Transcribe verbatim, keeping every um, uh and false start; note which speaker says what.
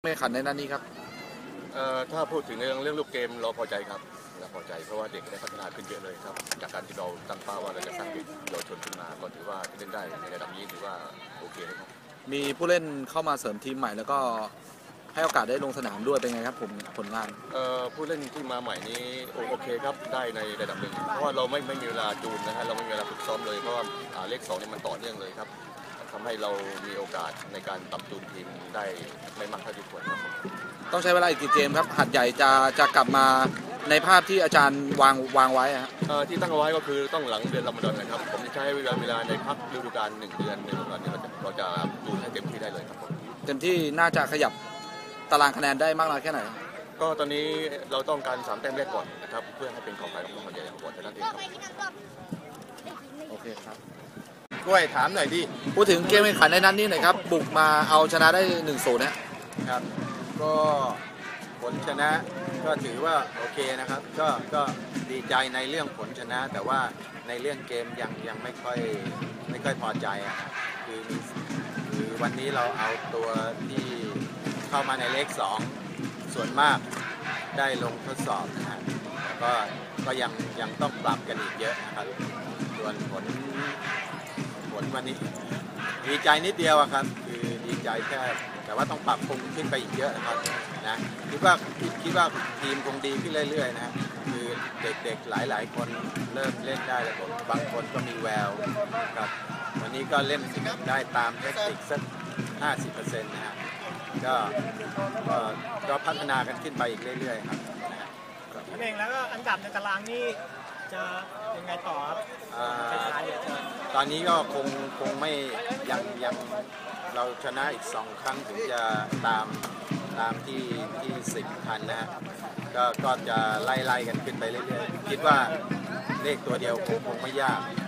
Speaker 1: ไม่ขันในนั้นนี้ครับ
Speaker 2: เอ่อถ้าพูดถึงเรื่องเรื่องลูกเกมเราพอใจครับเราพอใจเพราะว่าเด็กได้พัฒนาขึ้นเยอะเลยครับจากการที่เราตั้งเป้าว่าเราจะสร้างเด็กเยาวชนขึ้นมาก็ถือว่าเล่นได้ในระดับนี้ถือว่าโอเคเลยครับ
Speaker 1: มีผู้เล่นเข้ามาเสริมทีมใหม่แล้วก็ให้โอกาสได้ลงสนามด้วยเป็นไงครับผมผลงาน
Speaker 2: เอ่อผู้เล่นที่มาใหม่นี้โอเคครับได้ในระดับหนึ่งเพราะว่าเราไม่ไม่มีเวลาจูนนะฮะเราไม่มีเวลาฝึกซ้อมเลยเพราะว่าเลขสองนี่มันต่อเนื่องเลยครับทำให้เรามีโอกาสในการปรับจูนทีมได้ไม่มากเท่าที่ควรครับ
Speaker 1: ต้องใช้เวลาอีกกี่เกมครับหัดใหญ่จะจะกลับมาในภาพที่อาจารย์วางวางไว้ฮะ
Speaker 2: ที่ตั้งเอาไว้ก็คือต้องหลังเดือนรอมฎอนนะครับผมจะใช้เวลาเวลาในพักฤดูกาลหนึ่งเดือนในรอมฎอนนี้เราจะเราจะจูนให้เต็มที่ได้เลยครับผม
Speaker 1: เต็มที่น่าจะขยับตารางคะแนนได้มากน้อยแค่ไหน
Speaker 2: ก็ตอนนี้เราต้องการสามแต้มแรกก่อนนะครับเพื่อให้เป็นของใครของมันใหญ่ก่อนเท่านั้นเองครับ
Speaker 1: โอเคครับ
Speaker 3: กล้วยถามหน่อยดิ
Speaker 1: พูดถึงเกมแข่งขันในนั้นนี้หน่อยครับบุกมาเอาชนะได้หนึ่งศูนย์นะครับ
Speaker 3: ก็ผลชนะก็ถือว่าโอเคนะครับก็ก็ดีใจในเรื่องผลชนะแต่ว่าในเรื่องเกมยังยังไม่ค่อยไม่ค่อยพอใจอ่ะคือคือวันนี้เราเอาตัวที่เข้ามาในเลขสองส่วนมากได้ลงทดสอบนะฮะก็ก็ยังยังต้องปรับกันอีกเยอะนะครับส่วนผลผลวันนี้ดีใจนิดเดียวครับคือดีใจแค่แต่ว่าต้องปรับปรุงขึ้นไปอีกเยอะนะครับนะคิดว่าคิดว่าทีมคงดีขึ้นเรื่อยๆนะคือเด็กๆหลายๆคนเริ่มเล่นได้แล้วบางคนก็มีแววครับวันนี้ก็เล่นได้ตามเทคนิคสัก ห้าสิบเปอร์เซ็นต์ นะฮะก็ก็พัฒนากันขึ้นไปอีกเรื่อยๆครับ
Speaker 4: เองแล้วก็อันดับในตารางนี่จะยังไงต่อครับ
Speaker 3: ตอนนี้ก็คงคงไม่ยังยังเราชนะอีกสองครั้งถึงจะตามตามที่ที่สิบทันนะฮะก็ก็จะไล่ไล่กันขึ้นไปเรื่อยๆคิดว่าเลขตัวเดียวคงคงไม่ยาก